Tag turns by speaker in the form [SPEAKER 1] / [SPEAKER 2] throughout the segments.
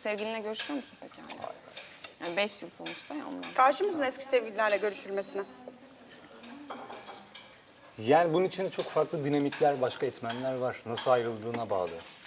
[SPEAKER 1] sevgilinle görüşüyor musun peki hala? Yani 5 yıl sonuçta ya ondan.
[SPEAKER 2] Karşı mısın eski sevgililerle görüşülmesine?
[SPEAKER 3] Yani bunun içinde çok farklı dinamikler, başka etmenler var. Nasıl ayrıldığına bağlı.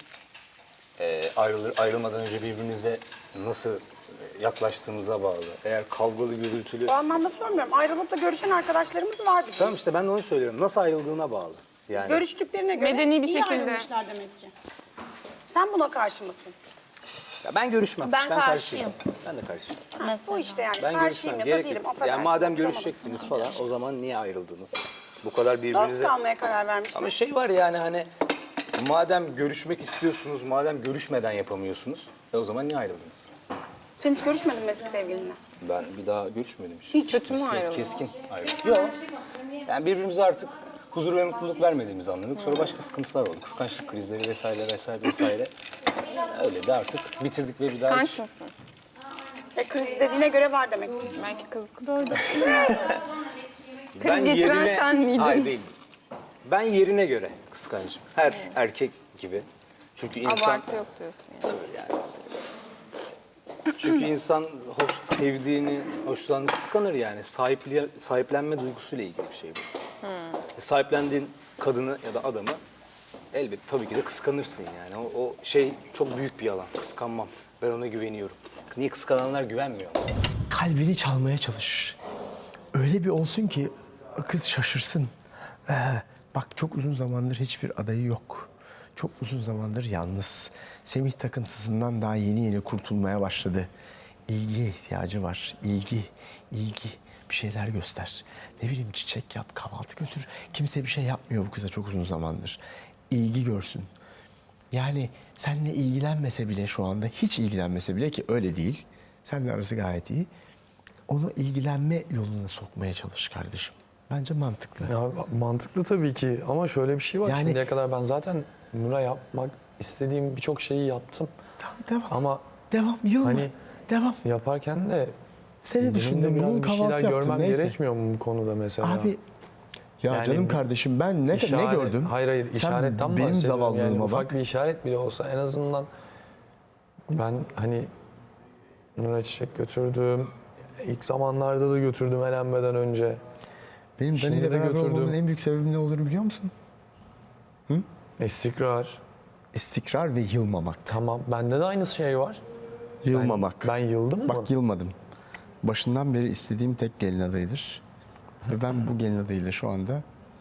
[SPEAKER 3] Ayrılmadan önce birbirinize nasıl yaklaştığınıza bağlı. Eğer kavgalı, gürültülü...
[SPEAKER 2] O anlamda sormuyorum. Ayrılıp da görüşen arkadaşlarımız var bizim.
[SPEAKER 3] Tamam işte ben de onu söylüyorum. Nasıl ayrıldığına bağlı. Yani
[SPEAKER 2] Görüştüklerine göre
[SPEAKER 1] Medeni bir
[SPEAKER 2] iyi
[SPEAKER 1] şekilde.
[SPEAKER 2] ayrılmışlar demek ki. Sen buna karşı mısın?
[SPEAKER 3] ya ben görüşmem.
[SPEAKER 4] Ben karşıyım.
[SPEAKER 3] Ben de karşıyım.
[SPEAKER 2] Bu işte yani.
[SPEAKER 3] Ben
[SPEAKER 2] Karşıyım
[SPEAKER 3] görüşmem.
[SPEAKER 2] ya da
[SPEAKER 3] Gerek
[SPEAKER 2] değilim.
[SPEAKER 3] yok.
[SPEAKER 2] Affedersin.
[SPEAKER 3] Yani madem
[SPEAKER 2] oturamadım.
[SPEAKER 3] görüşecektiniz falan o zaman niye ayrıldınız? Bu kadar
[SPEAKER 2] Dost
[SPEAKER 3] birbirinize...
[SPEAKER 2] kalmaya karar vermişler.
[SPEAKER 3] Ama şey var yani hani madem görüşmek istiyorsunuz, madem görüşmeden yapamıyorsunuz o zaman niye ayrıldınız?
[SPEAKER 2] Sen hiç görüşmedin mi eski sevgilinle?
[SPEAKER 3] Ben bir daha görüşmedim hiç.
[SPEAKER 2] Hiç.
[SPEAKER 1] Kötü mü ayrıldın?
[SPEAKER 3] Keskin ayrıldık. Yok. Yani birbirimize artık huzur ve mutluluk vermediğimizi anladık. Sonra başka sıkıntılar oldu. Kıskançlık krizleri vesaire vesaire vesaire. Öyle de artık bitirdik ve bir daha hiç...
[SPEAKER 1] Kıskanç mısın?
[SPEAKER 2] Kriz dediğine göre var demek ki.
[SPEAKER 1] Belki kız orada.
[SPEAKER 3] Ben
[SPEAKER 1] getiren sen miydin?
[SPEAKER 3] Hayır değil. Ben yerine göre kıskancım. Her erkek gibi. Çünkü insan...
[SPEAKER 1] Abartı yok diyorsun yani.
[SPEAKER 3] Yani. Çünkü insan sevdiğini, hoşlandığını kıskanır yani. Sahiplenme duygusuyla ilgili bir şey bu. Sahiplendiğin kadını ya da adamı elbette tabii ki de kıskanırsın yani. O şey çok büyük bir yalan. Kıskanmam. Ben ona güveniyorum. Niye kıskananlar güvenmiyor?
[SPEAKER 5] Kalbini çalmaya çalış. Öyle bir olsun ki kız şaşırsın. Bak çok uzun zamandır hiçbir adayı yok. Çok uzun zamandır yalnız. Semih takıntısından daha yeni kurtulmaya başladı. İlgiye ihtiyacı var. İlgi. Bir şeyler göster. Ne bileyim çiçek yap, kahvaltı götür. Kimse bir şey yapmıyor bu kıza çok uzun zamandır. İlgi görsün. Yani seninle ilgilenmese bile şu anda, hiç ilgilenmese bile ki öyle değil. Seninle arası gayet iyi. Onu ilgilenme yoluna sokmaya çalış kardeşim. Bence mantıklı.
[SPEAKER 6] Ya mantıklı tabii ki ama şöyle bir şey var.
[SPEAKER 5] Yani-
[SPEAKER 6] Şimdiye kadar ben zaten Nur'a yapmak istediğim birçok şeyi yaptım.
[SPEAKER 5] Tamam, devam.
[SPEAKER 6] Ama
[SPEAKER 5] Devam, yılma.
[SPEAKER 6] hani-
[SPEAKER 5] Devam.
[SPEAKER 6] yaparken de
[SPEAKER 5] Seni
[SPEAKER 6] benim de
[SPEAKER 5] düşündüm,
[SPEAKER 6] biraz
[SPEAKER 5] bugün
[SPEAKER 6] bir
[SPEAKER 5] kahvaltı
[SPEAKER 6] şeyler
[SPEAKER 5] yaptım,
[SPEAKER 6] görmem
[SPEAKER 5] neyse.
[SPEAKER 6] gerekmiyor mu bu konuda mesela?
[SPEAKER 5] Abi, ya
[SPEAKER 6] Yani
[SPEAKER 5] canım
[SPEAKER 6] bir
[SPEAKER 5] kardeşim ben ne gördüm?
[SPEAKER 6] Hayır
[SPEAKER 5] Sen
[SPEAKER 6] işaretten
[SPEAKER 5] benim
[SPEAKER 6] bahsediyorum. Yani
[SPEAKER 5] zavallılığıma
[SPEAKER 6] ufak
[SPEAKER 5] bak.
[SPEAKER 6] bir işaret bile olsa en azından ben hani Nur'a çiçek götürdüm. İlk zamanlarda da götürdüm elenmeden önce.
[SPEAKER 5] Benim
[SPEAKER 6] Şimdi
[SPEAKER 5] Dani'yle
[SPEAKER 6] de
[SPEAKER 5] beraber
[SPEAKER 6] götürdüm.
[SPEAKER 5] olmamın en büyük sebebi ne olduğunu biliyor musun?
[SPEAKER 6] İstikrar.
[SPEAKER 5] İstikrar ve yılmamak.
[SPEAKER 6] Tamam. Bende de aynı şey var.
[SPEAKER 5] Yılmamak.
[SPEAKER 6] Ben yıldım mı?
[SPEAKER 5] Bak yılmadım. Başından beri istediğim tek gelin adayıdır. Ve ben bu gelin adayıyla şu anda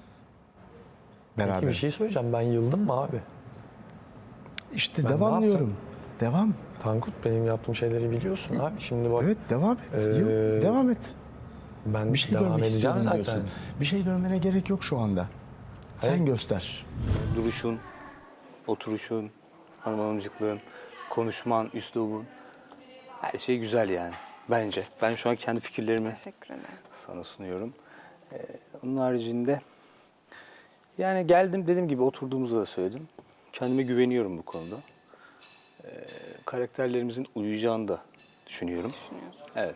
[SPEAKER 6] Peki
[SPEAKER 5] beraber.
[SPEAKER 6] bir şey söyleyeceğim. Ben yıldım mı abi?
[SPEAKER 5] İşte
[SPEAKER 6] Ben
[SPEAKER 5] devam
[SPEAKER 6] ne
[SPEAKER 5] diyorum. Devam.
[SPEAKER 6] Tankut benim yaptığım şeyleri biliyorsun abi. Şimdi bak
[SPEAKER 5] Evet devam et. Devam et.
[SPEAKER 6] ben
[SPEAKER 5] Bir şey
[SPEAKER 6] devam
[SPEAKER 5] görmek
[SPEAKER 6] edeceğim
[SPEAKER 5] istiyorum
[SPEAKER 6] zaten.
[SPEAKER 5] diyorsun. Bir şey görmene gerek yok şu anda. Sen
[SPEAKER 6] Hayır.
[SPEAKER 5] göster.
[SPEAKER 3] Duruşun, oturuşun, hanımcıklığın, konuşman, üslubun her şey güzel yani bence. Ben şu an kendi fikirlerimi
[SPEAKER 1] Teşekkür ederim.
[SPEAKER 3] sana sunuyorum. Onun haricinde yani geldim dediğim gibi oturduğumuzda da söyledim. Kendime güveniyorum bu konuda. Karakterlerimizin uyuyacağını da düşünüyorum.
[SPEAKER 1] Düşünüyorsun.
[SPEAKER 3] Evet.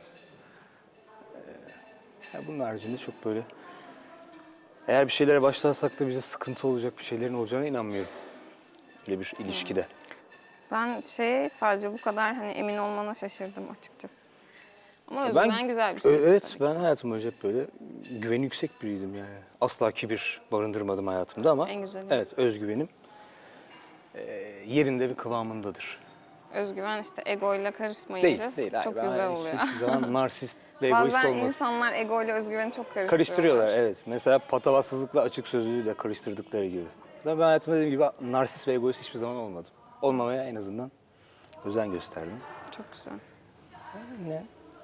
[SPEAKER 3] Bunun haricinde çok böyle eğer bir şeylere başlarsak da bize sıkıntı olacak bir şeylerin olacağına inanmıyorum. Öyle bir ilişkide.
[SPEAKER 1] Ben sadece bu kadar hani emin olmana şaşırdım açıkçası. Ama özgüven güzel bir şey.
[SPEAKER 3] Evet,
[SPEAKER 1] tabii ki.
[SPEAKER 3] ben hayatım boyunca hep böyle güveni yüksek biriydim yani. Asla kibir barındırmadım hayatımda ama
[SPEAKER 1] En güzeli.
[SPEAKER 3] evet özgüvenim yerinde ve kıvamındadır.
[SPEAKER 1] Özgüven işte egoyla karışmayınca
[SPEAKER 3] Değil.
[SPEAKER 1] çok
[SPEAKER 3] Hayır,
[SPEAKER 1] güzel
[SPEAKER 3] ben
[SPEAKER 1] oluyor.
[SPEAKER 3] Hiçbir zaman narsist ve egoist
[SPEAKER 1] Bazen
[SPEAKER 3] olmadım.
[SPEAKER 1] insanlar egoyla özgüveni çok
[SPEAKER 3] Karıştırıyorlar evet. Mesela patavatsızlıkla açık sözlülüğü de karıştırdıkları gibi. Ben hayatımda dediğim gibi narsist ve egoist hiçbir zaman olmadım. Olmamaya en azından özen gösterdim.
[SPEAKER 1] Çok güzel.
[SPEAKER 3] Ne?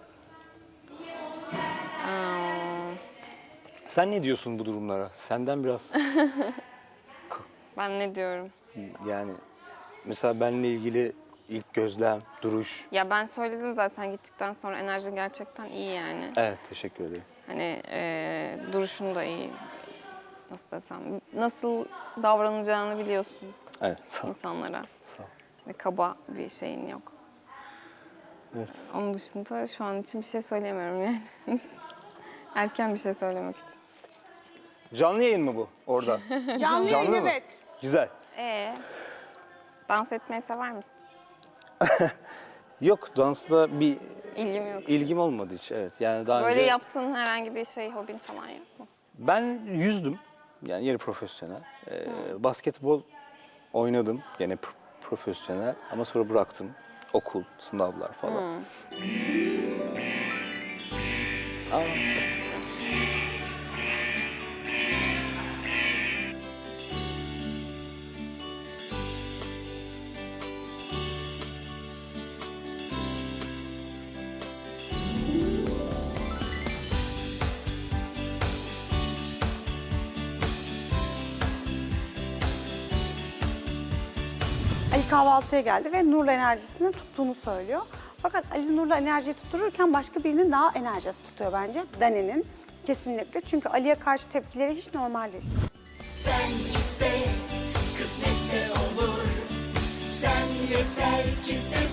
[SPEAKER 3] Sen ne diyorsun bu durumlara? Senden biraz
[SPEAKER 1] Ben ne diyorum?
[SPEAKER 3] yani mesela benimle ilgili ilk gözlem, duruş.
[SPEAKER 1] Ya ben söyledim zaten gittikten sonra enerjin gerçekten iyi yani.
[SPEAKER 3] Evet teşekkür ederim.
[SPEAKER 1] Hani duruşun da iyi. Nasıl desem, nasıl davranacağını biliyorsun
[SPEAKER 3] Evet sağ ol.
[SPEAKER 1] insanlara.
[SPEAKER 3] Sağ ol.
[SPEAKER 1] Ve kaba bir şeyin yok.
[SPEAKER 3] Evet.
[SPEAKER 1] Onun dışında şu an için bir şey söyleyemiyorum yani. Erken bir şey söylemek için.
[SPEAKER 3] Canlı yayın mı bu orada?
[SPEAKER 2] Canlı yayın
[SPEAKER 3] mı?
[SPEAKER 2] evet.
[SPEAKER 3] Güzel.
[SPEAKER 1] Dans etmeyi sever misin?
[SPEAKER 3] Yok, dansla bir
[SPEAKER 1] İlgim yok.
[SPEAKER 3] ilgim olmadı hiç. Evet. Yani daha
[SPEAKER 1] Böyle
[SPEAKER 3] önce
[SPEAKER 1] yaptığın herhangi bir şey, hobin falan yok mu?
[SPEAKER 3] ben yüzdüm. Yani yarı profesyonel. Basketbol oynadım. Gene profesyonel ama sonra bıraktım. Okul, sınavlar falan. Aa.
[SPEAKER 2] Ali kahvaltıya geldi ve Nur'la enerjisini tuttuğunu söylüyor. Fakat Ali Nur'la enerjiyi tuttururken başka birinin daha enerjisi tutuyor bence. Dani'nin kesinlikle. Çünkü Ali'ye karşı tepkileri hiç normal değil.
[SPEAKER 4] Sen iste, kısmetse olur. Sen yeter ki sev.